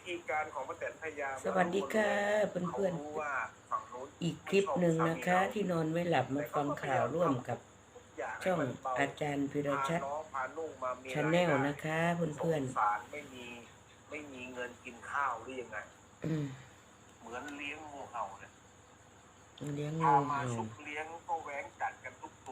ธีการของป้าแตนพยายามสวัสดีค่ะเเขาพื่อนรู้ว่าฝั่งนู้นๆอีกคลิปหนึ่งนะคะ ที่นอนไม่หลับมาฟังข่าวร่วมกับช่องอาจารย์พิรชัดชาแนลนะคะเพื่อนสารไม่มีเงินกินข้าวหรือยังไงเหมือนเลี้ยงงูเห่าเนี่ยเลี้ยงพางูมาเห่าชุบเลี้ยงก็แหวงกัดกันทุกตัว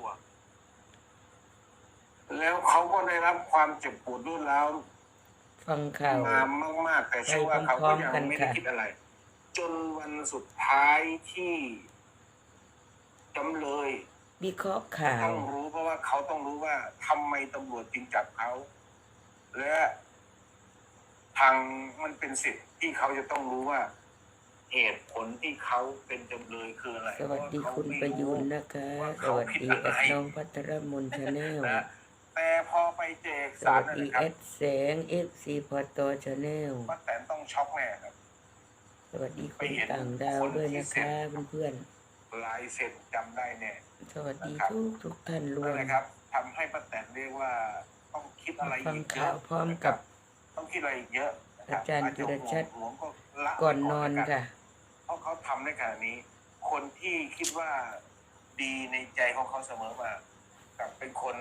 แล้วเขาก็ได้รับความเจ็บปวดรุนแรงฟังข่าวมามากๆแต่เชื่อว่าเขาก็ยังไม่ได้คิดอะไร จนวันสุดท้ายที่จำเลยวิเคราะห์ข่าวต้องรู้เพราะว่าเขาต้องรู้ว่าทำไมตำรวจจึงจับเขาและทางมันเป็นสิทธิ์ที่เขาจะต้องรู้ว่าเหตุผลที่เขาเป็นจำเลยคืออะไรสวัสดีคุณประยุนนะคะ สวัสดีแอดน้องพัทรมนชาแนลแต่พอไปเจกสสารวัสดีนะครับแอดแสง FC พอตชาแนลป้าแตนต้องช็อกแน่ครับสวัสดีคนต่างดาวด้วยนะคะเพื่อนลายเซ็นจำได้แน่ๆสวัสดีทุกท่านรวนั่นมแหละครับทำให้ป้าแตนเรียกว่าต้องคิดอะไรฟังอีกเยข่าอะวพร้อมกับต้องคิดอะไรอีกเยอะนะคอาบจารย์พิรชัดหวงก็ละก่อนนอนไว้ค่ะเพราะเขาทำในขณะนี้ คนที่คิดว่าดีในใจของเขาเสมอมากับเป็นคน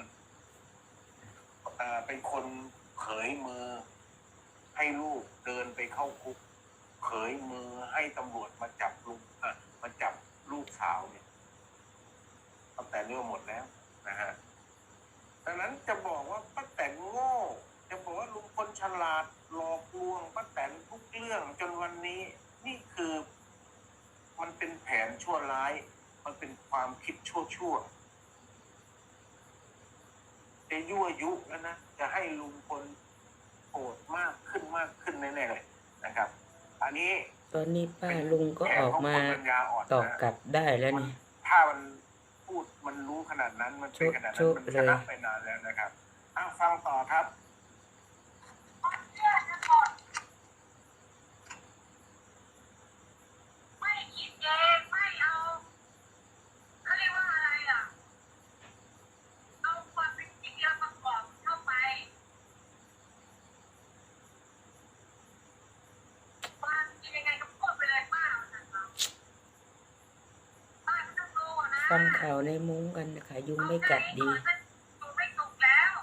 เขยมือให้ลูกเดินไปเข้าคุกเขยมือให้ตำรวจมาจับลูกสาวเนี่ยตั้งแต่เรื่องหมดแล้วนะฮะดังนั้นจะบอกว่าป้าแตนโง่จะบอกว่าลุงพลฉลาดหลอกลวงป้าแตนทุกเรื่องจนวันนี้นี่คือมันเป็นแผนชั่วร้ายมันเป็นความคิดชั่วจะยั่วยุแล้วนะจะให้ลุงพลโกรธมากขึ้นแน่ๆเลยนะครับอันนี้ตอนนี้ป้าลุงก็ออกมาตอบกลับได้แล้วนี่ถ้ามันพูดมันรู้ขนาดนั้นมันเป็นขนาดนั้นมันชนะไปนานแล้วนะครับฟังต่อครับไม่คิดเองไม่เอาเขาเรียกว่าอะไรอ่ะเอาความเป็นจริงแล้วประกอบเข้าไปความจริงยังไงก็พูดไปเลยป้านะครับป้าไม่ต้องรู้นะฟังข่าวในมุ้งกันนะคะยุงไม่กัดดีอยู่ไม่สุกแล้ว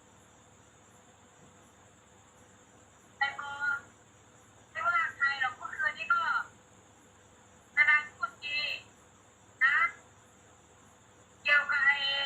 แต่พอไม่ว่าใครหรอกเมื่อคืนนี้ก็นานๆพูดดีนะเกี่ยวกับ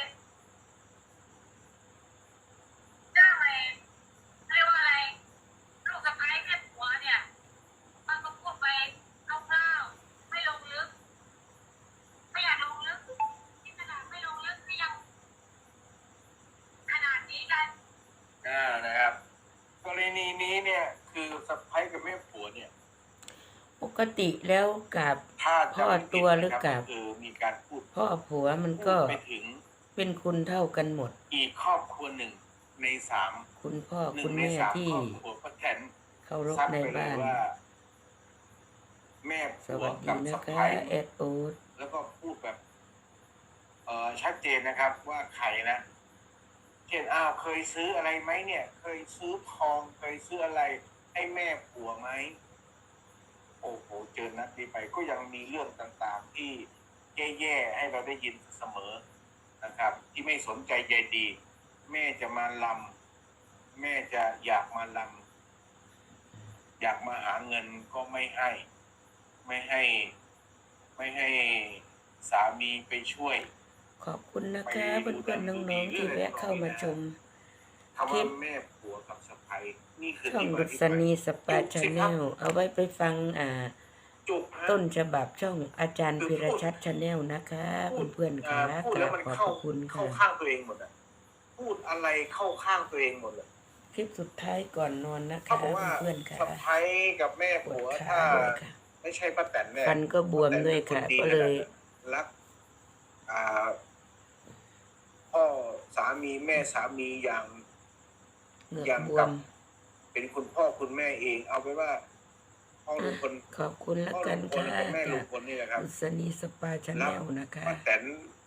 เรื่องอะไรเรียกว่าอะไรลูกสะใภ้แม่ผัวเนี่ยมันก็พูดไปคร่าวๆไม่ลงลึกไม่อยากลงลึกที่ขนาดไม่ลงลึกก็ยังขนาดนี้กันนะครับกรณีนี้เนี่ยคือสะใภ้กับแม่ผัวเนี่ยปกติแล้วกับถ้าพ่อตัวหรือกับคือมีการพูดพ่อผัวมันก็ไปถึงเป็นคุณเท่ากันหมดอีกครอบครัวหนึ่งในสามคุณพ่อหนึ่คุงณในแม่สามที่ครอบครัวป้าแตนเคารพซัดในไปเลยบ้านว่าแม่สผัววัสดีกับนะสะคะใภ้แอดโอ๊ตแล้วก็พูดแบบชัดเจนนะครับว่าใครนะเช่นเคยซื้ออะไรไหมเนี่ย เคยซื้อทองเคยซื้ออะไรให้แม่ผัวไหมโอ้โหเจอนัดนี้ไปก็ยังมีเรื่องต่างๆที่แย่ๆให้เราได้ยินเสมอนะครับ ที่ไม่สนใจใยดี แม่จะมาลำแม่จะอยากมาลำอยากมาหาเงินก็ไม่ให้สามีไปช่วยขอบคุณนะคะเพื่อนๆน้องๆที่แวะเข้ามาชมคำว่าแม่ผัวกับสะใภ้นี่คือช่องที่มาดุที่ษไปณีสปาชาแนลเอาไว้ไปฟังจุกฮะต้นฉบับช่องอาจารย์พิรชัดชาแนลนะคะเพื่อนๆค่ะพูดกแล้ราว บมันขอบเข้าพระคุณเข้าค่ะข้างตัวเองหมดอ่ะพูดอะไรเข้าข้างตัวเองหมดเลยคลิปสุดท้ายก่อนนอนนะเขาคะบอกว่าเพื่อนๆค่ะสะใภ้กับแม่ปวผัดวขาถ้าด้วยค่ะไม่ใช่ป้าแตนเนี่ยฟันก็บวมด้วยค่ะ ก็เลยรักพ่อสามีแม่สามีอย่างเหงือกอย่างบวกับมเป็นคุณพ่อคุณแม่เองเอาไปว่าพ่อลุงพลขอบคุณละพ่อกัลุนงพลค่ะกับแม่ลุจาง กพลนี่แหละครับดุษณีสปาชาแนลนะคะป้าแตน